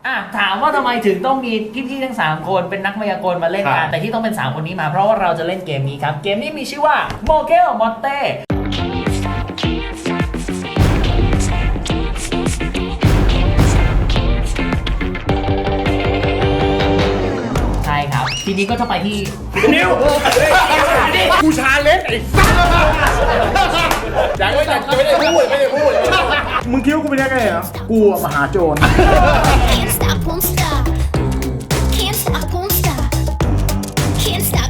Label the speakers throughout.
Speaker 1: ถามว่าทำไมถึงต้องมีพี่ๆทั้ง3คนเป็นนักมายากลมาเล่นกันแต่ที่ต้องเป็น3คนนี้มาเพราะว่าเราจะเล่นเกมนี้ครับเกมนี้มีชื่อว่าโมเกลมอนเต้ใช่ครับทีนี้ก็จะไปที่
Speaker 2: นิวกูชาเล็กไอ้สัสยังไม่ได้พูดมึงคิดว่ากูเป็นยังไงเหรอกูมหาโจร
Speaker 3: Can't stop, won't stop. Can't stop, won't stop. Can't stop.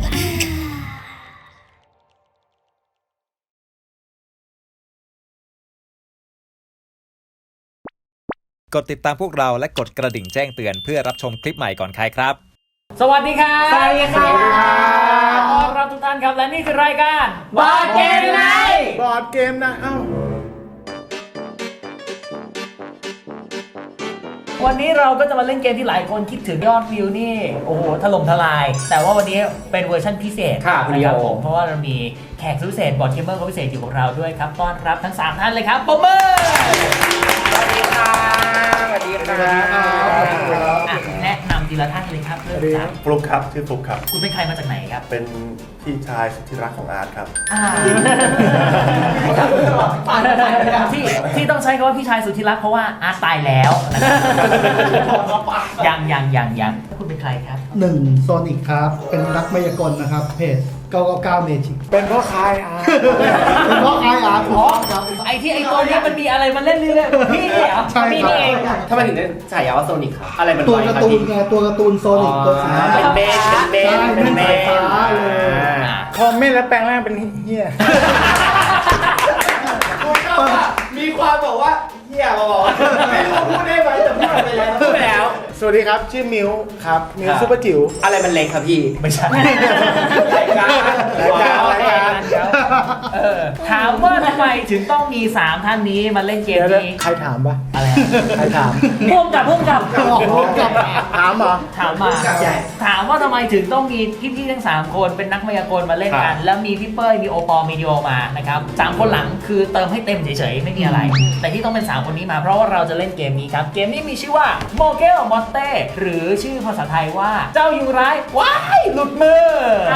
Speaker 4: กดติดตามพวกเราและกดกระดิ่งแจ้งเตือนเพื่อรับชมคลิปใหม่ก่อนใครครับ
Speaker 1: สวัสดีครับ
Speaker 2: สวัสดีครับ
Speaker 1: ต้อนรับทุกท่านครับและนี่คือรายการบอร์ดเกมไนท์
Speaker 2: บอร์ดเกมนะ
Speaker 1: วันนี้เราก็จะมาเล่นเกมที่หลายคนคิดถึงยอดวิวนี่โอ้โหถล่มทลายแต่ว่าวันนี้เป็นเวอร์ชันพิเศษนะครับผมเพราะว่าเรามีแขกพิเศษบอร์ดเกมเมอร์คนพิเศษอยู่กับเราด้วยครับต้อนรับทั้ง3ท่านเลยครับปรบมือ
Speaker 2: สวัสดีครับ
Speaker 1: แนะนำทีละท่านเลยครับเริ่มจาก
Speaker 5: ฟลุกครับชื่อฟลุกครับ
Speaker 1: คุณเป็นใครมาจากไหนครับ
Speaker 5: เป็นพี่ชายสุดที่รักของอาร์ตครับ
Speaker 1: ที่ต้องใช้คำว่าพี่ชายสุดที่รักเพราะว่าอาร์ตตายแล้วยังคุณเป็นใครครับ
Speaker 6: 1 โซนิกครับเป็นนักมายากลนะครับเพจ999 Magic
Speaker 2: เป็นพ่อค้ายอาร์ต
Speaker 6: เป็นเพราะไออาร์ถูกต้องครับ
Speaker 1: ไอ้ตัวนี้มันมีอะไรมาเล่นเรื่อยๆพี่เหรอ
Speaker 6: ใช่ครับ
Speaker 1: พี่นี่เอง
Speaker 7: ทำไมถึงได้ฉายาว่าโซนิกครับอะไรมัน
Speaker 6: ตัว
Speaker 7: ไว
Speaker 6: การ์
Speaker 7: ครับ
Speaker 6: ตูน
Speaker 7: พี่
Speaker 6: ไงตัวการ์ตูนโซนิกตัวสี
Speaker 7: เป็นเมนเป็นเมน
Speaker 6: ใช่เป็นสายฟ้าเลย
Speaker 2: คอมเมนต์แล้วแปลงร่างเป็นเฮีย
Speaker 7: มีความบอกว่าเฮียมาบอกไม่รู้พูดได้ไหมแต่พูดไปแล้ว
Speaker 2: สวัสดีครับชื่อมิวครับมิวซุปเปอร์จิ๋ว
Speaker 7: อะไรมันเล็กครับพี่
Speaker 1: ไม่ใช่
Speaker 2: รายการ
Speaker 1: ถามว่าทำไมถึงต้องมี3ท่านนี้มาเล่นเกม
Speaker 2: เดี๋ยว
Speaker 1: นี้
Speaker 2: ใครถามปะ
Speaker 1: อะไร
Speaker 2: ใครถาม
Speaker 1: พุ่มกับ
Speaker 2: ถามเหรอ
Speaker 1: ถามมาถามว่าทำไมถึงต้องมีพี่ๆทั้ง3คนเป็นนักมายากลมาเล่นกันแล้วมีพี่เป้ยมีโอปอมีดิโอมานะครับ3คนหลังคือเติมให้เต็มเฉยๆไม่มีอะไรแต่ที่ต้องเป็น3คนนี้มาเพราะว่าเราจะเล่นเกมนี้ครับเกมนี้มีชื่อว่าโมเกลมอนเต้หรือชื่อภาษาไทยว่าเจ้ายุงร้ายว้ายหลุดมือ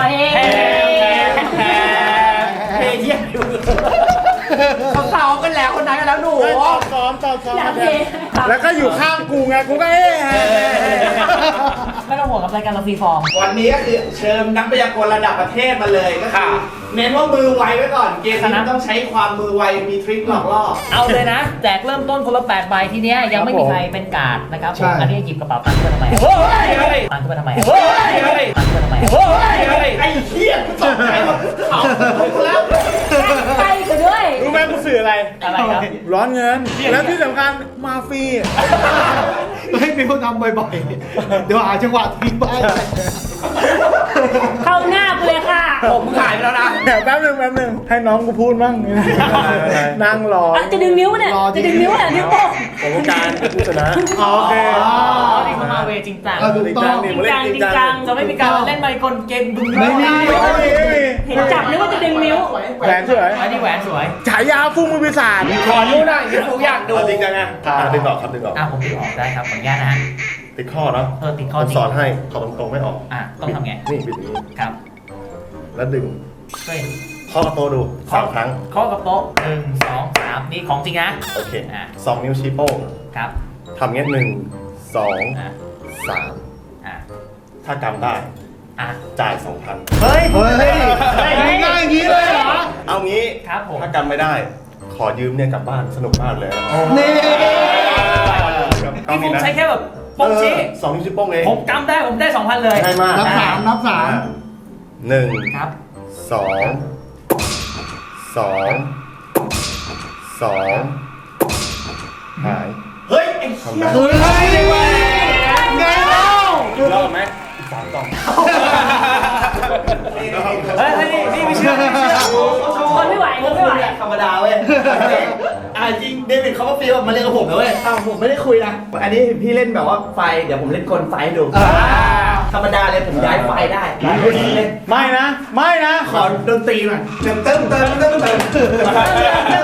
Speaker 7: เฮียเขาเศร้ากันแล้วคนนั้นกันแล้วหนู
Speaker 2: ซ้อมแล้วก็อยู่ข้างกูไงกูก็
Speaker 1: ไม่ต้องห่วงกับรายการเราฟรีฟอร์ม
Speaker 7: วันนี้ก็คือเชิญนักพยากรณ์ระดับประเทศมาเลยก็คือเน้นว่ามือไวไว้ก่อนเกมนี้ต้องใช้ความมือไวมีทริคหลอกล่อ
Speaker 1: เอาเลยนะแจกเริ่มต้นคนละ8ใบทีเนี้ยยังไม่มีใครเป็นการ์ดนะครับผมอันนี้หยิบกระเป๋าตังค์ขึ้นมาทำไมตังค์ขึ้นมาทำไมตังค์ขึ้นมาทำไม
Speaker 7: ไอ้เหี้ยตกใจหมดเอาแล้ว
Speaker 3: ไปกันด้วย
Speaker 2: รู้ไหมกูสื่ออะไร
Speaker 1: อะไรครับ
Speaker 2: ร้อนเงินแล้วที่สำคัญมาฟรี
Speaker 6: ให้มิวทำบ่อยๆเดี๋ยวหาจังหวะทิ้งไป
Speaker 3: เข้าหน้ากูเลยค่ะ
Speaker 7: ผมขายไปแล้วนะ
Speaker 2: เดี๋ยวแป๊บนึงให้น้องกูพูดมั่งนั่งรอ
Speaker 3: จะดึงนิ้วเนี่ยจะดึงนิ้วเนี่ยนิ้วโป้ง
Speaker 5: ผมการผู้ชนะ
Speaker 2: โอเค
Speaker 1: นี่เขามาเวจริงจัง
Speaker 6: ถูกต้อง
Speaker 1: จริงจังจะไม่มีการเล่นไมค์กลเกมดึง
Speaker 6: ไม่มี
Speaker 3: เห็นจับนึกว่าจะดึงนิ้ว
Speaker 2: แหวนสวย
Speaker 1: อันนี้แหวนสวย
Speaker 2: ฉายาฟุ้งมือปีศาจ
Speaker 7: ขอรู้หน่อยที่ผมอยากดู
Speaker 5: จริงจังไงดึงออกครับดึงออก
Speaker 1: ผมติดออกได้ครับขออนุญาตนะฮะ
Speaker 5: ติดข้อเนาะ
Speaker 1: ติดข้อ
Speaker 5: ผม
Speaker 1: จริง
Speaker 5: สอนให้ขอตรงๆไม่ออก
Speaker 1: ต้องทำไง
Speaker 5: นี่บิดนี้
Speaker 1: ครับ
Speaker 5: แล้วดึง
Speaker 1: เฮ้ย
Speaker 5: ข้อกระโตดู3 ครั้ง
Speaker 1: ข้อกับโต๊ะ1 2 3นี่ของจริงนะ
Speaker 5: โอเค2 นิ้วชี้โป้ง
Speaker 1: ครับ
Speaker 5: ทำเงี้ย1 2 3ถ้ากำได้จ่าย 2,000
Speaker 1: เฮ้ย
Speaker 6: เฮ้ยง่ายอย่างนี้เลยเหรอ
Speaker 5: เอางี้
Speaker 1: ครับผม
Speaker 5: ถ้ากำไม่ได้ ขอยืมเนี่ยกลับบ้านสนุกมากเลย
Speaker 6: นี่
Speaker 1: พี่ฟุ๊กใช้แค่แบบโป๊กชี้
Speaker 5: 2 นิ้วชี้โป้งเอง
Speaker 1: ผมกำได้ผมได้ 2,000 เลย
Speaker 5: ง่ายมาก
Speaker 6: นับสาม
Speaker 5: 1
Speaker 1: ครับ
Speaker 5: 2 หาย
Speaker 7: เฮ้ยไอ้เหี้ย
Speaker 6: เฮ้ยไงแล้ว
Speaker 5: รอบไหม3 กล่อง
Speaker 1: เฮ้ยนี่ไม่เชื่อ
Speaker 3: คนไม่ไหวคนไม่ไหว
Speaker 7: ธรรมดาเว้ยจริงเดวิดเขาก็ฟีลมาเล่นกับผมนะเว้ยผมไม่ได้คุยนะอันนี้พี่เล่นแบบว่าไฟเดี๋ยวผมเล่นคนไฟดูธรรมดาเลยผมย้ายไฟได้เล่น
Speaker 2: ไม่นะ
Speaker 7: ขอดนตรีหน่อยเติม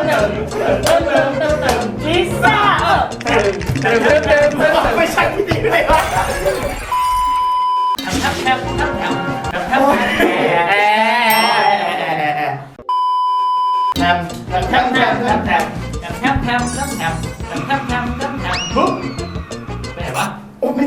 Speaker 3: ลิซ่า
Speaker 7: ไม่ใช่พี่ดี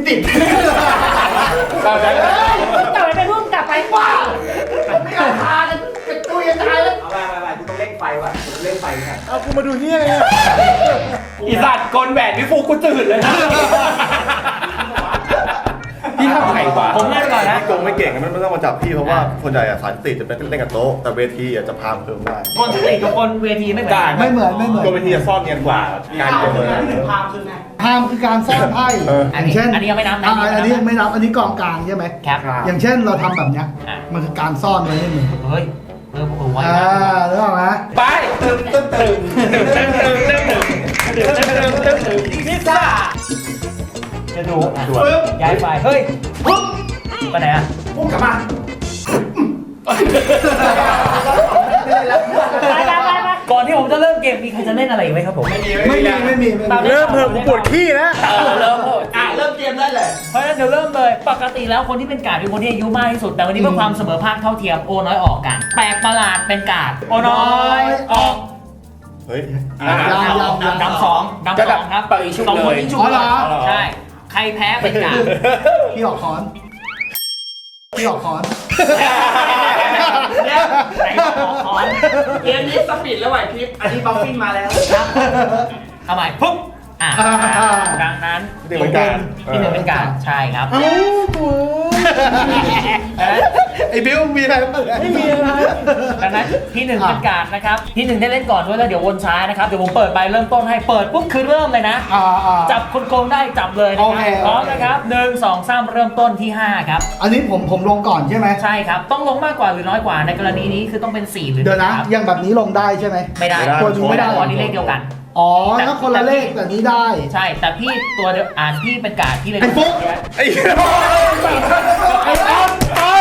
Speaker 7: ติด
Speaker 2: เราจะ
Speaker 1: ต่อยไปพุ่งกลับไปว้า
Speaker 7: ไม่เอาพากันเป็นตัวยังตายแล้วเอาไปกูต้องเร่งไฟว่ะกูต้องเร่งไฟค่ะ
Speaker 2: เอากูมาดูนี่อะไรเนี่ย
Speaker 7: อีสัตว์กลแหวนพี่ฟูกูตื่นเลยนะ
Speaker 2: พี่ทำไงวะ
Speaker 1: ผมเล่นก่อนนะ
Speaker 5: พี่โกงไม่เก่งมันไม่ต้องมาจับพี่เพราะว่าคนใหญ่อะสารติจะเป็นเล่นกับโต๊ะแต่เวทีอะจะพามเพิ่มได้
Speaker 1: คนสติกับคนเวทีไม่เหมือนกัน
Speaker 6: ไม่เหมือนไม่เหมือน
Speaker 5: ตัวเวทีจะซ่อนเนียนกว่าการโกงเลย
Speaker 7: พามคือไง
Speaker 6: ห้ามคือการซ่อนไพ่ อย่างเช่น
Speaker 1: อันนี้ยังไม่นับนะ
Speaker 6: อันนี้ไม่นับอันนี้กองกลางใช่ไหม
Speaker 1: ครับ
Speaker 6: อย่างเช่นเราทำแบบเนี้ย
Speaker 1: อ่ะ
Speaker 6: มันคือการซ่อนไว้ในมือ
Speaker 1: เฮ้ยไว้
Speaker 6: อ่า
Speaker 1: นะ
Speaker 6: รู้ไหม
Speaker 7: ไปตึมตึมตึมตึมตึมตึมตึมตึมตึมตึมตึมพิซซ่า
Speaker 1: จะดูย้ายไฟเฮ้ยปุ๊บไปไหนอ่ะ
Speaker 7: พุ่งกลับมา
Speaker 1: ไปก่อนที่ผมจะเริ่มเกมมีใครจะเล่นอะไรอีกไหมครับผม
Speaker 6: ไม่มี
Speaker 2: เริ่มเพิ่มกูปวดขี้แล้ว
Speaker 1: เริ่ม
Speaker 7: เริ่มเกมได้เลย
Speaker 1: เพราะฉะนั้นเดี๋ยวเริ่มเลยปกติแล้วคนที่เป็นการ์ดเป็นคนที่อายุมากที่สุดแต่วันนี้เพื่อความเสมอภาคเท่าเทียมโอน้อยออกกันแปลกประหลาดเป็นการ์ดโอน้อยออก
Speaker 5: เฮ้ย
Speaker 1: ดำสองครับสองคนที่ชุบเลยใช่ใครแพ้เป็นการ์ด
Speaker 6: พี่ออกคอนพี่ออกคอน
Speaker 1: เนี่ยไหนบอกขอน
Speaker 7: เกมนี้สปีดแล้วไหวพริบอันนี้บัฟฟินมาแล้ว
Speaker 1: ครับเอาใหม่ปุ๊บดังนั้น
Speaker 5: ที่เป็นการ
Speaker 1: ที่หนึ่งเป็นการใช่ครับ
Speaker 2: เอ้ากูไอ้บิวมีอะไรบ้างไม่มีอะไร
Speaker 1: ดังนั้นที่หนึ่งเป็นการนะครับที่หนึ่งได้เล่นก่อนด้วยแล้วเดี๋ยววนซ้ายนะครับเดี๋ยวผมเปิดใบเริ่มต้นให้เปิดปุ๊บคือเริ่มเลยนะ จับคนโกงได้จับเลยนะ
Speaker 6: โอ
Speaker 1: ค
Speaker 6: เครับ
Speaker 1: พร้อมนะครับ1 2 3เริ่มต้นที่5ครับ
Speaker 6: อันนี้ผมลงก่อนใช่ไหม
Speaker 1: ใช่ครับต้องลงมากกว่าหรือน้อยกว่าในกรณีนี้คือต้องเป็น4หรือ
Speaker 6: เดี๋ยวนะ
Speaker 1: ครับ
Speaker 6: อย่างแบบนี้ลงได้ใช่ไหม
Speaker 1: ไม่ได้
Speaker 6: ตัวนี้ไม่ได้
Speaker 1: อันนี้เลขเดียวกัน
Speaker 6: อ๋อถ้าคนละเลขแบบนี้ได้
Speaker 1: ใช่แต่พี่ตัวเดียวพี่เป็นการดพี่เลย
Speaker 6: ไอ้ฟุ๊ก
Speaker 2: ไอ้
Speaker 6: ไอ้ต้น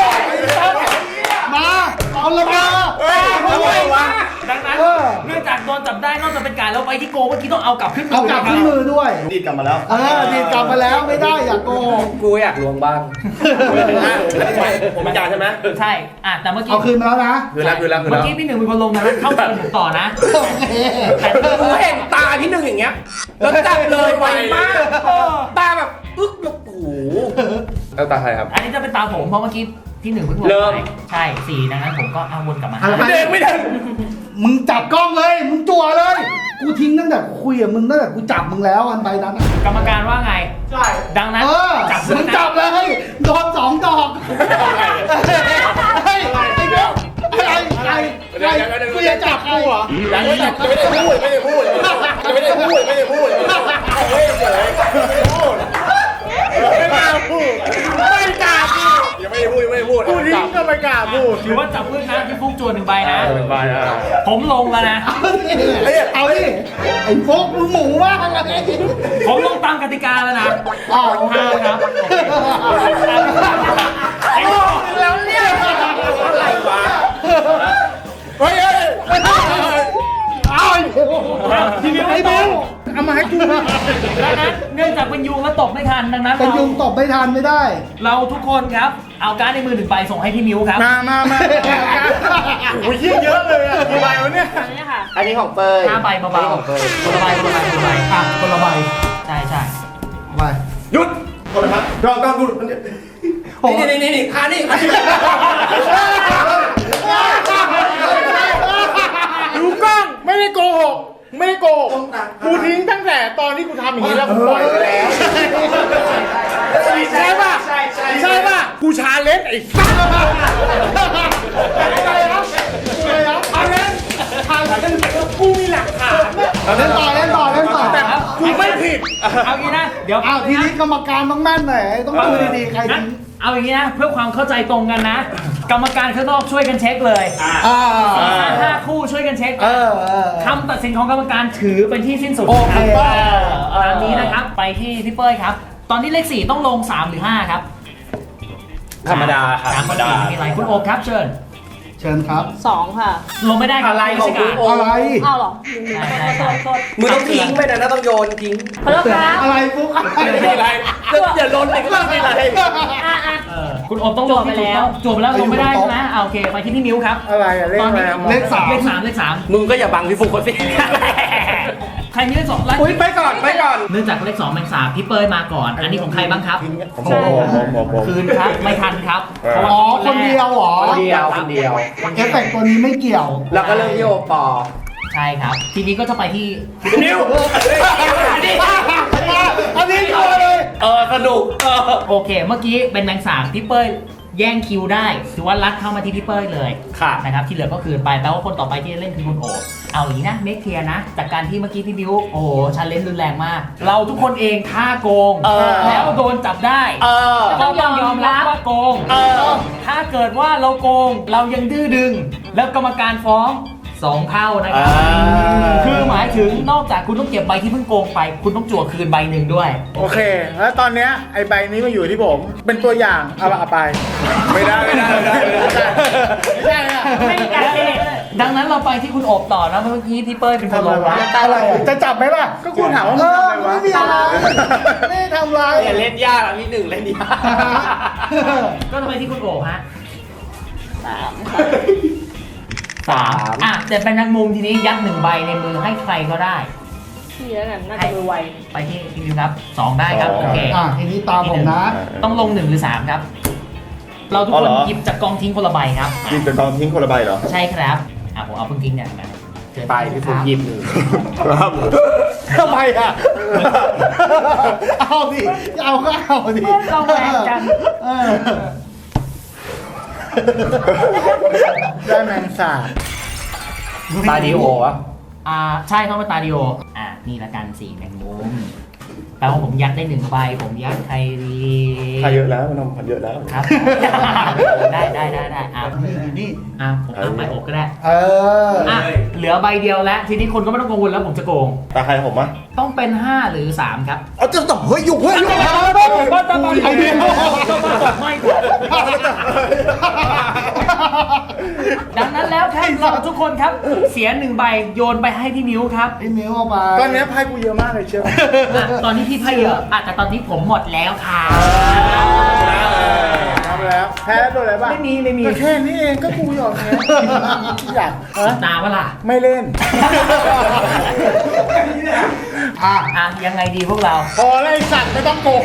Speaker 6: มาเอาละมา
Speaker 1: ดังนั้นเนื่องจากโดนจับได้นอกจากเป็นการแล้วไปที่โกงเมื่อกี้ต้องเอากลับขึ้น
Speaker 6: เอากลับขึ้นมือด้วย
Speaker 5: ดีดกลับมาแล้ว
Speaker 6: ดีดกลับมาแล้วไม่ได้อย่าโกง
Speaker 7: กูอยากลวงบ้าง
Speaker 5: ผมเป็นการใช่ไหม
Speaker 1: ใช่แต่เมื่อกี้
Speaker 6: เอาคืนมาแล้วนะ
Speaker 5: คือแล้ว
Speaker 1: เมื่อกี้พี่หนึ่งเป็นคนลงนะเข้าเกมผมต่อนะ
Speaker 6: โอเค
Speaker 1: แต่
Speaker 7: กูเห็นตาพี่หนึ่งอย่างเงี้ยแล้วจับเลยไวมากตาแบบอึ๊กแบบโอ้โห
Speaker 2: แล้วตาใครครับ
Speaker 1: อันนี้จะเป็นตาผมเพราะเมื่อกี้ที่หนึ่งเพิ่งลง
Speaker 7: เริ่ม
Speaker 1: ไปใช่4ดังนั้นผมก็เอาวนกลับมา
Speaker 6: ไม่ได้ไม่ได้มึงจับกล้องเลยมึงจั่วเลยกูทิ้งตั้งแต่คุยกับมึงตั้งแต่กูจับมึงแล้วอันใบนั้น
Speaker 1: กรรมการว่าไง
Speaker 7: ใช่
Speaker 1: ดังนั้น
Speaker 6: จับ
Speaker 1: เล
Speaker 6: มึ
Speaker 1: ย
Speaker 6: ง
Speaker 1: นะ
Speaker 6: จับเลยโดน2 ดอกไอ้เด็กอะไรกูจะจับกูเหรอ
Speaker 5: ยังไม่ได้พูดไม่ได้พูดไม่ได้พูดไม่ได้พูดไม่ได้เฉยไม่กล้าพูดไม่กล้าพูดยังไม่ได้พูดไม่ได้พูด
Speaker 2: พูดทิ้งก็ไม่กล้าพูด
Speaker 1: ถือว่าจับพื้นนะที่ฟุกจวน1 ใบนะ
Speaker 2: เป็นใบอ่ะ
Speaker 1: ผมลงแล้วนะ
Speaker 6: เอาดิไอ้โฟกมึงหมูมากอะไร
Speaker 1: ผมลงตามกติกาแล้วนะ
Speaker 6: โอเค
Speaker 1: 5ครับแล้วเนี่ย
Speaker 7: อะไรวะ
Speaker 2: เฮ้ย
Speaker 6: เอาทีเดียวไอ้เบล
Speaker 2: เอามาให้กู
Speaker 1: ดังนั้นเนื่องจากเป็นยุงแล้วตบไม่ทันดังนั้น
Speaker 6: เป็นยุงตบไม่ทันไม่ได้
Speaker 1: เราทุกคนครับเอาการ์ดในมือ1 ใบส่งให้พี่มิวครับ
Speaker 2: มาโอ้ยเยอะเลยอ่ะกี่ใบวะเนี่ย
Speaker 7: อันนี้ของเฟย
Speaker 1: 5 ใบเบาๆคนละใบคนละใบคนละใบ
Speaker 6: คนละใบ
Speaker 1: ใช่ใช่
Speaker 6: ไป
Speaker 5: หยุดคนละครับต้องดู
Speaker 7: นี่คานี่
Speaker 2: ดูกล้องไม่ได้โกหกไม่ได้โกหกกูทิ้งตั้งแต่ตอนที่กูทำอย่างนี้แล้วกูปล่อยไปแล้วใช่ป่ะใช่ป่ะกูชาเลนจ์ไอ้สัสอะไรครับอะไรกูมีหลักฐาน
Speaker 6: เล่นต่อ
Speaker 2: แต่กูไม่ผิด
Speaker 1: เอางี้นะเดี๋ยว
Speaker 6: ทีนี้กรรมการต้องแม่นหน่อยต้องดูดีๆใคร
Speaker 1: งั้น
Speaker 6: ทิ้ง
Speaker 1: เอาอย่างนี้นะเพื่อความเข้าใจตรงกันนะ กรรมการข้างนอกช่วยกันเช็คเลย 5 คู่ช่วยกันเช็คคำตัดสินของกรรมการถือเป็นที่สิ้นสุด
Speaker 6: โอเค
Speaker 1: ตามนี้นะครับไปที่พี่เป้ยครับ ตอนนี้เลข4ต้องลง3 หรือ 5 ครับ
Speaker 7: ธรรมดาครับ
Speaker 1: 3 กับ4มีอะไรคุณโอ๊คครับเชิญ
Speaker 6: เชิญครับ
Speaker 8: 2 ค่ะ
Speaker 1: ลงไม่ได้ครับ
Speaker 7: อะไรของคุณโอ๊ค
Speaker 6: อะไร
Speaker 8: อ้าวเหรอ
Speaker 1: ใช่
Speaker 8: โทษ
Speaker 7: มึงต้องทิ้งไปนะต้องโยนทิ้ง
Speaker 8: ขอโทษครับ
Speaker 6: อะไรฟุกอะไร
Speaker 7: ไม่มีอะไรอย่าลนเลยก็ไม่มีอะไร
Speaker 1: คุณโอ๊คต้องลงที่ถูกต้องจบไปแล้วลงไม่ได้ใช่ไหมโอเคไปที่พี่มิ้วครับ
Speaker 2: อะไรอะเลขอะไร
Speaker 1: เลข3
Speaker 6: เลข
Speaker 1: เลข 3
Speaker 7: มึงก็อย่าบังพี่ฟุกเขาสิ
Speaker 1: ใครมีเลข 2
Speaker 2: อุ้ยไปก่อน
Speaker 1: เนื่องจากเลข 2 แมงสาบพี่เป้ยมาก่อน อันนี้ของใครบ้างครับ
Speaker 5: ผม
Speaker 1: คืนครับไม่ทันครับ
Speaker 6: อ๋อคนเดียวเหรอ
Speaker 7: คนเดียวคนเดียว
Speaker 6: เอฟเฟกต์ตัวนี้ไม่เกี่ยว
Speaker 7: แล้วก็เรื่องที่โอปอ
Speaker 1: ใช่ครับ ทีนี้ก็จะไปที่
Speaker 7: นิว
Speaker 6: อันนี้ตัวเลย
Speaker 7: สนุก
Speaker 1: โอเค เมื่อกี้เป็นแมงสาบพี่เป้ยแย่งคิวได้ถือว่ารัดเข้ามาที่พี่เป้ยเลย
Speaker 7: ค่ะ
Speaker 1: นะครับที่เหลือก็คืนไปแปลว่าคนต่อไปที่จะเล่นคือคุณโอเอาอย่างนี้นะเมคเคลียร์นะจากการที่เมื่อกี้พี่บิวโอ้โหชาเลนจ์รุนแรงมาก เราทุกคนเองฆ่าโกง แล้วโดนจับได้ก็ต้องยอมรับว่าโกงถ้าเกิดว่าเราโกงเรายังดื้อดึง แล้วกรรมการฟ้อง2เท่านะครับคือหมายถึงนอกจากคุณต้องเก็บใบที่เพิ่งโกงไป คุณต้องจั่วคืนใบหนึ่งด้วย
Speaker 2: โอเค แล้วตอนเนี้ยไอ้ใบนี้มาอยู่ที่ผม เป็นตัวอย่าง เอาไป ไม่ได้อะ
Speaker 1: ไม่ได้ดังนั้นเราไปที่คุณโอบต่อนะเมื่อกี้พี่เป้ยเป็นคนลงวะ
Speaker 6: อะไรอะ
Speaker 2: จะจับไหมล่ะ ก็คุณถามว่ามึงทำอะไรวะ
Speaker 6: ไม่มีอะไรไม่ได้ทำอะไร
Speaker 7: อย่าเล่นยากนิดหนึ่งเล่นยาก
Speaker 1: ก็จะไปที่คุณโอบฮะ3อ่ะแต่เป็นแมงมุมทีนี้ยัด1ใบในมือให้ใครก็ได้
Speaker 8: พี่แล้วกันน่าจะมือไว
Speaker 1: ไปที่พี่วิวครับ2ได้ครับโอเค
Speaker 6: ทีนี้ตามผมนะ
Speaker 1: ต้องลง1หรือ3ครับ เราทุกคนหยิบจากกองทิ้งคนละใบครับ
Speaker 5: ยิงจากกองทิ้งคนละใบเหรอ
Speaker 1: ใช่ครับผมเอาเพิ่งทิ้งเนี่ยมาเจอ
Speaker 7: ไปที่ผมหยิบหนึ่ง
Speaker 5: ครับ
Speaker 2: ทำไมอ่ะ เอาดิ เอาก็เอาดิ
Speaker 1: เราแหวกกัน
Speaker 6: เออ
Speaker 2: ได้แมงสาบ
Speaker 7: ตาดีโอวะ
Speaker 1: ใช่ต้องเป็นตาดิโอนี่ละกัน4แมงมุมแปลว่าผมยัดได้1ใบผมยัดใครดี
Speaker 5: ถ้าเยอะแล้วมันต้องเยอะแล้ว
Speaker 1: ครับ ได้
Speaker 6: นี่
Speaker 1: ผมเอาใบอกก็ได้
Speaker 6: เออ
Speaker 1: เหลือใบเดียวแล้ว ทีนี้คนก็ไม่ต้องกังวลแล้วผมจะโกง
Speaker 5: ตาใครผมอ่ะ
Speaker 1: ต้องเป็น5หรือ3ครับ
Speaker 2: เอาจะต้องเฮ้ยอยู่
Speaker 1: ไอเดียไม่กว่าดังนั้นแล้วครับเราทุกคนครับเสีย1ใบโยนไปให้พี่มิ้วครับ
Speaker 6: พี่มิ้วเอาไป
Speaker 2: ตอนเนี้ยไพ่กูเยอะมากเลยเชียว
Speaker 1: ตอนนี้พี่ไพ่เยอะแต่ตอนนี้ผมหมดแล้วค่ะ
Speaker 2: ทำแล้ว แพ้โดนอะไรบ้าง
Speaker 1: ไม่มี
Speaker 2: ก็แค่นี้เองก็กูหยอกไงอยาก
Speaker 1: ตาเวล่ะ
Speaker 2: ไม่เล่น
Speaker 1: ยังไงดีพวกเรา
Speaker 2: พอไล่สัตว์ไม่ต้องโกง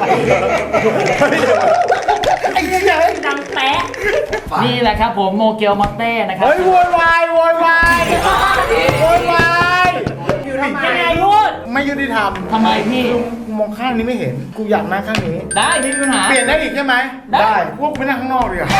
Speaker 2: ไอ้เหี้ย
Speaker 1: ดังแปะนี่แหละครับผมโมเกียวมอตเต้นะครับ
Speaker 2: เฮ้ยโวยวายโวยวายโวยวาย
Speaker 1: ยังไงพูด
Speaker 2: ไม่ยุติธรรม
Speaker 1: ทำไมพี่
Speaker 2: กูมองข้างนี้ไม่เห็น กูอยากนั่งข้างนี้
Speaker 1: ได้ไม่มีปัญหา
Speaker 2: เปลี่ยนได้อีกใช่ไหม
Speaker 1: ได้
Speaker 2: พวกกูไปนั่งข้างนอกดีกว่า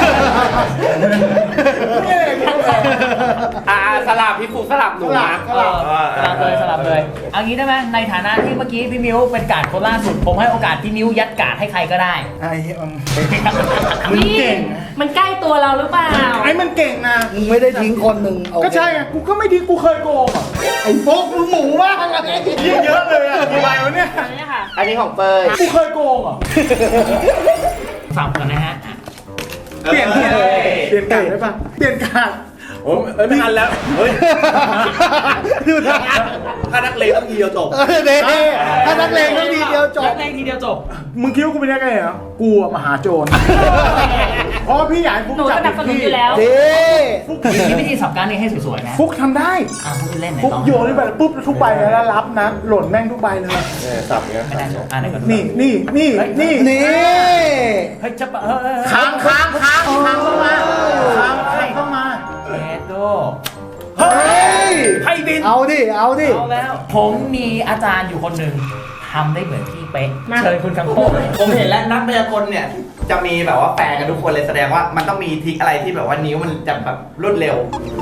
Speaker 2: ไม่เลย
Speaker 7: สลับพี่ฟูสลับหนูนะ
Speaker 1: สลับเลยเอางี้ได้ไหมในฐานะที่เมื่อกี้พี่มิ้วเป็นการ์ดคนล่าสุดผมให้โอกาสพี่มิ้วยัดการ์ดให้ใครก็ได้
Speaker 2: ไอ้เหี้ยมึง
Speaker 8: พี่
Speaker 2: เก่ง
Speaker 8: มันใกล้ตัวเราหรือเปล่า
Speaker 2: ไอ้มันเก่งนะ
Speaker 6: มึงไม่ได้ทิ้งคนหนึ่งเอา
Speaker 2: ก็ใช่ไงกูก็ไม่ทิ้งกูเคยโกงอ่ะ
Speaker 6: ไอ้โฟกมึงหมูมากอะไร
Speaker 2: ยิ่งเยอะเลยอ่ะกี่ใบวะเนี่ย
Speaker 8: อันนี้ค่ะ
Speaker 7: อันนี้ของเปย
Speaker 2: กูเคยโกงอ่ะ
Speaker 1: สับกันนะฮะ
Speaker 2: เปลี่ยนการได้ปะเปลี่ยนการ
Speaker 5: โอ้ยไม่ทันแล้ว เฮ้ย
Speaker 2: ดูท่า
Speaker 5: ถ้านักเลงต้องทีเดียวจบ
Speaker 6: เด็ถ้านักเลงไม่ดีเดียวจบ
Speaker 1: เล่นทีเดียวจบ
Speaker 2: มึงคิดว่ากูเป็นยังไงเหรอกูอะมหาโจรเพราะพี่ใหญ่ฟุก
Speaker 8: หนู
Speaker 2: จั
Speaker 8: สนับสนุน
Speaker 2: พี่
Speaker 8: อยู่แล้ว
Speaker 6: เด้
Speaker 1: มีวิธีสับการนี้ให้สวยๆนะ
Speaker 2: ฟุกทำได้
Speaker 1: พูดเล่นไหน
Speaker 2: ฟุก
Speaker 1: ลอง
Speaker 2: โยนนี่ไปปุ๊บทุกใบแล้วรับนะหล่นแม่งทุกใบเลย
Speaker 5: เนี่ยสับอย่างเงี้ย
Speaker 1: ไม่ได้ไหนก่อน
Speaker 2: นี่
Speaker 6: นี่
Speaker 1: เฮ้ยจะ
Speaker 2: ค้างเข้ามาเข้ามา
Speaker 1: เอโด
Speaker 2: เฮ้ย
Speaker 1: ให้บิน
Speaker 6: เอาดิเอาดิ
Speaker 1: เอาแล้ว ผมมีอาจารย์อยู่คนหนึ่งทำได้เหมือนพี่เป๊ะเชิญคุณคังโคก
Speaker 7: ผมเห็นแล้วนักพยากรณ์เนี่ย จะมีแบบว่าแปลกันทุกคนเลยแสดงว่ามันต้องมีทริคอะไรที่แบบว่านิ้วมันจะแบบรวดเร็ว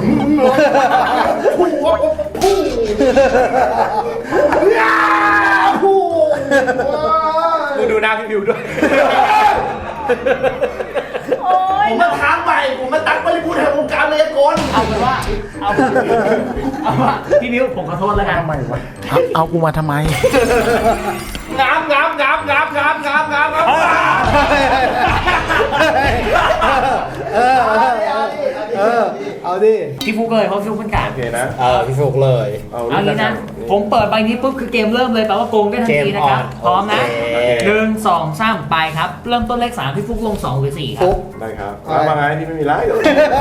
Speaker 7: ดูหน้าพี่บิวด้วย ผมมาท้าใหม่ผมมาตักบริบูรณ์แห่งวงการพยากรณ์
Speaker 1: เอาเป็นว่าพี่มิ้วผมขอโทษแล้วกัน
Speaker 2: ทำไมวะเอากูมาทำไม
Speaker 7: งับ
Speaker 6: เอาเอาดิ
Speaker 1: พี่ฟุกเลยเพราะพี่ฟุกเป็นกาด
Speaker 5: โอเคนะ
Speaker 7: พี่ฟุกเลย
Speaker 5: เอา
Speaker 1: เอางี้นะ ผมเปิดใบนี้ปุ๊บคือเกมเริ่มเลยแปลว่าโกงได้ทันทีนะครับ
Speaker 7: เกมออน
Speaker 1: พร้อมนะ
Speaker 7: โอเค
Speaker 1: 1 2 3ไปครับ เริ่มต้นเลข3พี่ฟุกลง2หรือ4ครับ
Speaker 6: ฟุก
Speaker 5: ได้ครับมาไงที่ไม่มีไรเดี๋ยว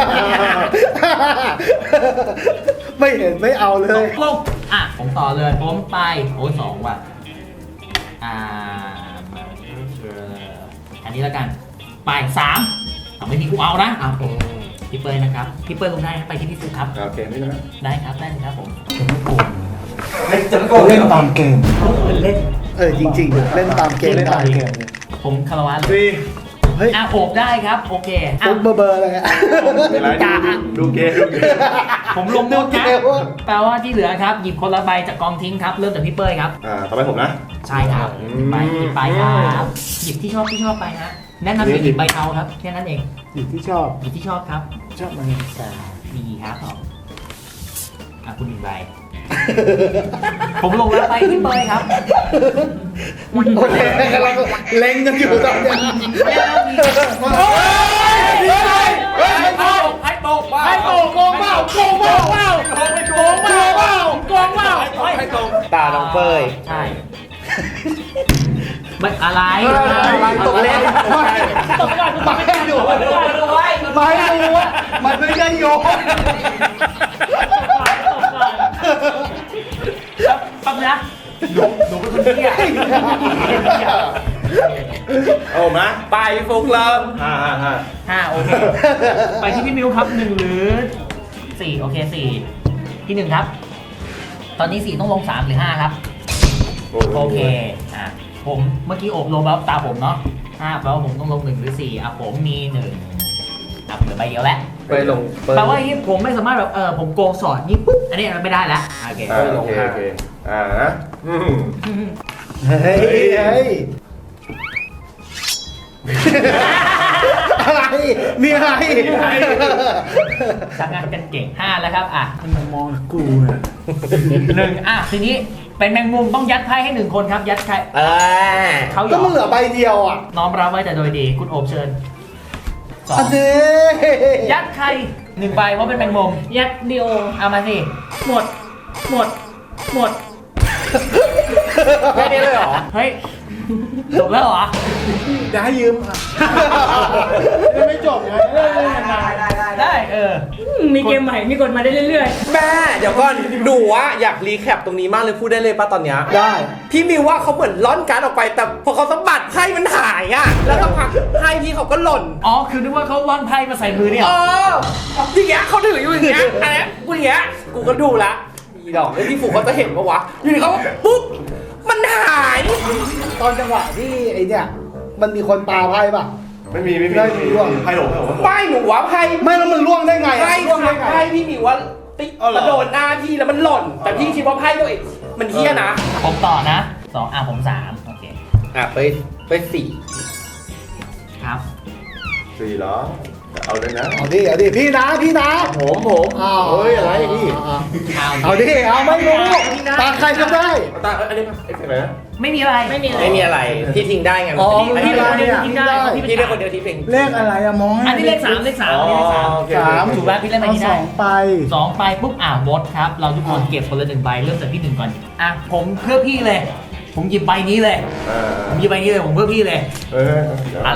Speaker 6: ไม่เห็นไม่เอาเลย
Speaker 1: ลงผมต่อเลยผมไปโอ้ย2ว่ะอันนี้แล้วกันไป3ไม่มีกูเอานะผมพี่เปิ้ลนะครับพี่เปิ้ลลงได้ครับไปที่พี่ฟุกครับ
Speaker 5: โอเคไม่เป็นไร
Speaker 1: ได้ครับได้ครับผม
Speaker 6: เล่นตามเกม
Speaker 1: เล่น
Speaker 6: จริงๆ เล่นตามเกม
Speaker 1: ผมคารวะเลย
Speaker 5: สี่
Speaker 6: เฮ้ย
Speaker 1: โอบได้ครับโอเค
Speaker 6: ฟุกเบอร์อะไรอะ
Speaker 5: ไม่ไรดูเกมดูเกม
Speaker 1: ผมลงหมดนะแปลว่าที่เหลือครับหยิบคนละใบจากกองทิ้งครับเริ่มจากพี่เป้ยครับ
Speaker 5: ต่อไปผมนะ
Speaker 1: ใช่ครับหยิบไปครับหยิบที่ชอบไปนะแนะนำให้หยิบใบเทาครับแค่นั้นเอง
Speaker 6: อยู่ที่ชอบ
Speaker 1: หยิบที่ชอบครับ
Speaker 6: ชอบมันสา
Speaker 1: ดีครับคุณหยิบใบ ผมลงแล้วไปพี่เป้ยครับ
Speaker 6: โอเคกำลังเล็งกันอยู่ตอนเนี้ย
Speaker 1: ให้โตก
Speaker 6: โกงเปล่าให้ตรง
Speaker 7: ตาน้องเป้ย
Speaker 1: ใช่ไม่อะไร
Speaker 6: ตกเล่นไม่อยู่ไม่รู้ว่ามันไม่ได้โยน
Speaker 1: แป๊บนะหนูเป็นคนเที่ย
Speaker 5: โอ้นะไปฟุกเริ่ม
Speaker 1: โอเคไปที่พี่มิวครับ1หรือ4โอเค4ที่1ครับตอนนี้4ต้องลง3หรือ5ครับโอเคผมเมื่อกี้โอบลงแล้วตาผมเนาะ5แปลว่าผมต้องลง1หรือ4ผมมี1เหลือใบเดียวแล้ว
Speaker 7: ไปลง
Speaker 1: แปลว่าอย่างนี้ผมไม่สามารถแบบผมโกงสอดนี่ปุ๊บอันนี้มันไม่ได้แล้วโอเค
Speaker 5: โอเคนะ
Speaker 6: เฮ้ยอะไรมีอะไร
Speaker 1: ทำงานกันเก่ง5แล้วครับ
Speaker 6: มันมองกูเนี่ย
Speaker 1: 1ทีนี้เป็นแมงมุมต้องยัดไพ่ให้1คนครับยัดไพ่เขาหย
Speaker 6: ก็
Speaker 1: อก
Speaker 6: มึงเหลือใบเดียวอ่ะ
Speaker 1: น้อมรับไว้แต่โดยดีคุณโอบเชิญ
Speaker 6: อันนี้
Speaker 1: ยัดใคร1ใบเพราะเป็นแมงมุม
Speaker 8: ยัดเดียว
Speaker 1: เอามาสิ
Speaker 8: หมด
Speaker 1: แค่นี้เลยเหรอเฮ้ยจบแล้วเหรอ
Speaker 6: จะให้ยืมไม่จบไง
Speaker 1: ได้
Speaker 8: มีเกมใหม่ มีกฎมาได้เรื่อย
Speaker 7: แม่เดี๋ยวก่อนหนูอะอยากรีแคปตรงนี้มากเลยพูดได้เลยป่ะตอนเนี้ย
Speaker 6: ได้
Speaker 7: พี่มิวว่าเขาเหมือนล่อนการ์ดออกไปแต่พอเขาสะบัดไพ่มันหายอะแล้วสักพักไพ่พี่เขาก็หล่น
Speaker 1: อ๋อคือนึกว่าเขาวางไพ่มาใส่มือเนี่ย
Speaker 7: อย่างเงี้ยเขาถืออยู่อย่างเงี้ยอันเนี้ยกูอย่างเงี้ยกูก็ดูละอีดอกแล้วพี่ฝูเขาจะเห็นปะวะอยู่ดีเขาปุ๊บมันหาย
Speaker 6: ตอนจังหวะที่ไอเนี่ยมันมีคนปาไพ่ป่ะ
Speaker 5: ไม่มีไพ่หลง
Speaker 7: ไม่หนูว่าไพ่
Speaker 6: ไม่แล้วมันล่วงได้ไง
Speaker 7: ไพ่
Speaker 6: ล่วงได้ไง
Speaker 7: ไพ่พี่มิวว่าติ๊กกระโดดหน้าพี่แล้วมันหล่น แต่พี่คิดว่าไพ่ตัวเองมันเฮี้ยนะ
Speaker 1: ผมต่อนะ2ผม3โอเค
Speaker 7: ไปสี่
Speaker 1: ครับ
Speaker 5: 4เหรอเอาเลยนะ
Speaker 6: เอาดิพี่นะ
Speaker 5: ผมเฮ้ยอะไรพี่
Speaker 6: เอาดิเอาไม่รู้ตาใครก็ได้
Speaker 5: ตาอันนี้อะไรนะ
Speaker 1: ไม่มีอะไร
Speaker 8: ไม่มีอะไร
Speaker 7: ไม่มีอะไรพี่ทิ้งได้ไง
Speaker 6: อ๋อ
Speaker 1: พี่
Speaker 6: ไม่
Speaker 1: เป็น
Speaker 6: มี
Speaker 1: คนเดียวที่ได้พี่
Speaker 7: พี่ได้คนเดียวที่เพลง
Speaker 6: เลขอะไรอะมอง
Speaker 1: อันนี้เลข3เลข3เลข3ถูกแล้วพี่เล่นไป
Speaker 6: เอา
Speaker 1: ที่
Speaker 6: ส
Speaker 1: ได้
Speaker 6: องไป
Speaker 1: 2ไปปุ๊บมดครับเราทุกคนเก็บคนละ1ใบเริ่มจากพี่1ก่อนผมเพื่อพี่เลย ผมหยิบใบนี้เลยผมหยิบใบนี้เลยผมเพื่อพี่เลยอะไร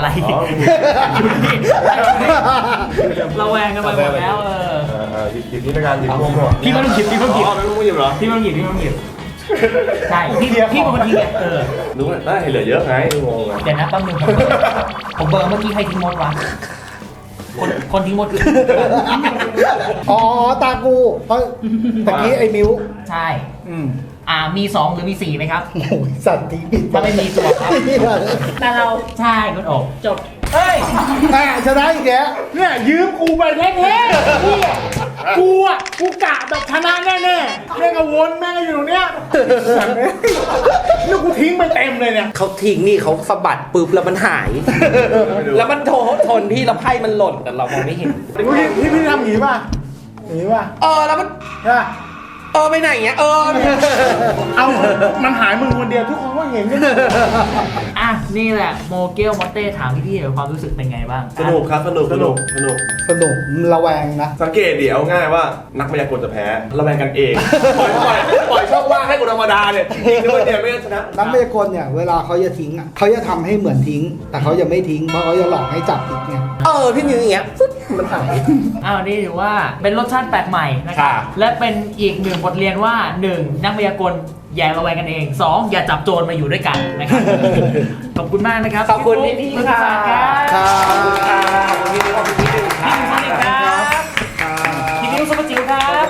Speaker 1: เราแวงกันไปหมดแล้ว
Speaker 5: หยิบนี่ในการหยิบร่วงด้วย
Speaker 1: พี่ไม่ต้องหยิบพี่ไม่ต้องหยิบ
Speaker 5: ไม่ต้องหยิบเหรอ
Speaker 1: พี่ไม่ต้องหยิบพี่ไม่ต้องหยิบใช่พี่เป็นคนทิ้งไง
Speaker 5: รู้ได้เหลือเยอะไงงง
Speaker 1: เดี๋ยวนะแป๊บนึงผมเบอร์เมื่อกี้ใครทิ้งมดวะคนทิ้งมดคือ
Speaker 6: อ๋อตากูเพราะตะกี้ไอ้มิว
Speaker 1: ใช่มี2หรือมี4ไหมครับ
Speaker 6: โอ้ยสัตว์ทิ้งผิด
Speaker 1: ถ้าไม่มีตัวครับ
Speaker 8: แต่เรา
Speaker 1: ใช่คุณโอบ
Speaker 8: จบ
Speaker 1: เฮ้ย
Speaker 6: ชนะอีกแล้ว
Speaker 2: เนี่ยยืมกูไปแท้ๆกูกะแบบชนะแน่ๆแม่งก็วนแม่งก็อยู่ตรงเนี้ยนี่กูทิ้งไปเต็มเลยเนี่ย
Speaker 7: เขาทิ้งนี่เขาสะบัดปุ๊บแล้วมันหาย แล้วมันชนพี่แล้วไพ่มันหล่นแต่เรามองไม่เห็น
Speaker 2: พี่ทำอย่างนี้ป่ะอย่างนี้ป่ะ
Speaker 7: แล้วมัน
Speaker 2: ใช่ป่ะ
Speaker 7: ไปไหนเงี้ย
Speaker 2: เอามันหายมึงคนเดียวทุกคนก็เห็นกัน
Speaker 1: อ่ะนี่แหละโมเกลมอตเต้ถามพี่ๆหน่อยความรู้สึกเป็นไงบ้าง
Speaker 5: สนุกครับสนุก
Speaker 6: สนุกระแวงนะ
Speaker 5: สังเกตเดี๋ยวง่ายว่านักมายากลจะแพ้ระแวงกันเองปล่อยช่องว่างให้คนธรรมดาเนี่ยยิงด้วยเนี่ยไม่ชนะ
Speaker 6: นักมายากลเนี่ยเวลาเขาจะทิ้งอ่ะเขาจะทำให้เหมือนทิ้ง แต่เขาจะไม่ทิ้งเพราะเขาจะหลอกให้จับอีกไง
Speaker 7: พี่มิวอย่างเงี้ยปุ๊บมันหาย
Speaker 1: อ้าวนี่ถือว่าเป็นรสชาติแปลกใหม่นะครับและเป็นอีกหนึ่งบทเรียนว่า 1. นักมายากลอย่าระแวงกันเอง 2. อย่าจับโจรมาอยู่ด้วยกันนะครับ ขอบคุณมากนะครับ
Speaker 7: ขอบคุณพี่
Speaker 1: คุณ
Speaker 7: ค่ะ
Speaker 1: สารครับ
Speaker 7: ขอบคุณพี่ขอบคุณพี่ดึงค
Speaker 1: พี่
Speaker 7: รับ
Speaker 1: มิวสวัสดีครับพี่มิวซุปเปอร์จิ๋วครับ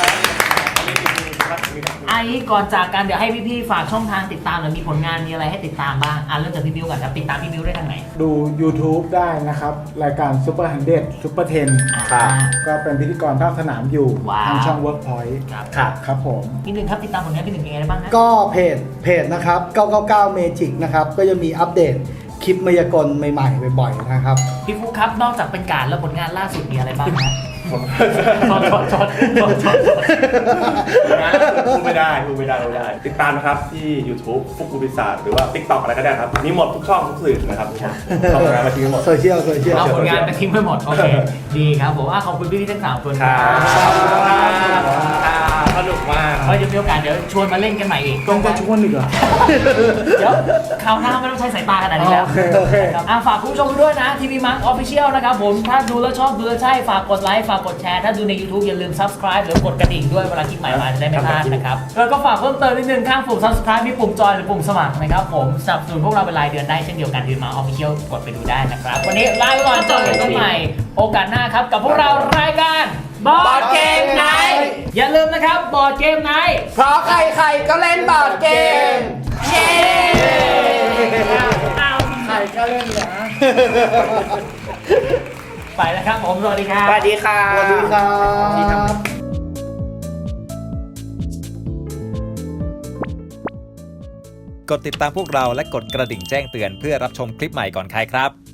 Speaker 1: ไอ้ก่อนจากกันเดี๋ยวให้พี่ๆฝากช่องทางติดตามหรือมีผลงานมีอะไรให้ติดตามบ้างเริ่มจากพี่มิวก่อนครับติดตามพี่มิวได้ทางไหน
Speaker 2: ดู YouTube ได้นะครับ รายการ Super 100 Super 10 ก็เป็นพิธีกรภาคสนามอยู่
Speaker 1: ว้าว
Speaker 2: ทางช่อง Workpoint
Speaker 1: ครับ
Speaker 2: ครับผม
Speaker 1: พี่หนึ่งครับติดตามผลงานพี่หนึ่งยังไงได้บ้างฮะ
Speaker 6: ก็เพจนะครับ 999 Magic นะครับ ก็จะมีอัปเดตคลิปมายากลใหม่ๆบ่อยๆนะครับ
Speaker 1: พี่ฟุ๊กครับนอกจากเป็นการแล้วผลงานล่าสุดมีอะไรบ้างฮะ
Speaker 5: ผม
Speaker 1: ชด
Speaker 5: พูดไม่ได้ติดตามนะครับที่ YouTube ฟุกกูปีศาจหรือว่า TikTok อะไรก็ได้ครับมีหมดทุกช่องทุกสื่อนะครับช่องงานมาทิ้งหมด
Speaker 6: โซเชียล
Speaker 1: เอาผลงานไปทิ้งไปหมด โอเค ดีครับผมขอบคุณพี่ๆทั้ง3คน
Speaker 5: สนุกมาก
Speaker 1: เดี๋ยวมีโอกาสเดี๋ยวชวนมาเล่นกันใหม่อีก
Speaker 2: ต้องจะชวนอีกเหรอ
Speaker 1: เดี๋ยวคราวหน้าไม่ต้องใช้สายตาขนาดนี้แล้ว
Speaker 2: โอเค
Speaker 1: ครับฝากคุณผู้ชมด้วยนะทีวีมังออฟฟิเชียลนะครับผมถ้าดูแล้วชอบดูแล้วใช่ฝากกดไลค์ฝากกดแชร์ถ้าดูใน YouTube อย่าลืม Subscribe หรือกดกระดิ่งด้วยเวลาคลิปใหม่มาจะได้ไม่พลาดนะครับแล้วก็ฝากเพิ่มเติมนิดนึงข้างปุ่ม Subscribe มีปุ่มจอยหรือปุ่มสมัครนะครับผมสนับสนุนพวกเราเป็นรายเดือนได้เช่นเดียวกันทีวีมังออฟฟิเชียลกดไปดูได้นะครับวันนี้ลาไปก่อนเจอกันใหม่โอกาสหน้าครับกับพวกเรารายการบอร์ดเกมไนท์อย่าลืมนะครับบอร์ดเกมไนท์
Speaker 7: เพราะใครๆก็เล่นบอร์ดเกม
Speaker 1: เย้
Speaker 2: ใครก็เล่นนะ
Speaker 1: ไปแล้วครับผมสวัสดีครับ
Speaker 7: สวัสดีค่ะ
Speaker 6: สวัสดีครับ
Speaker 4: กดติดตามพวกเราและกดกระดิ่งแจ้งเตือนเพื่อรับชมคลิปใหม่ก่อนใครครับ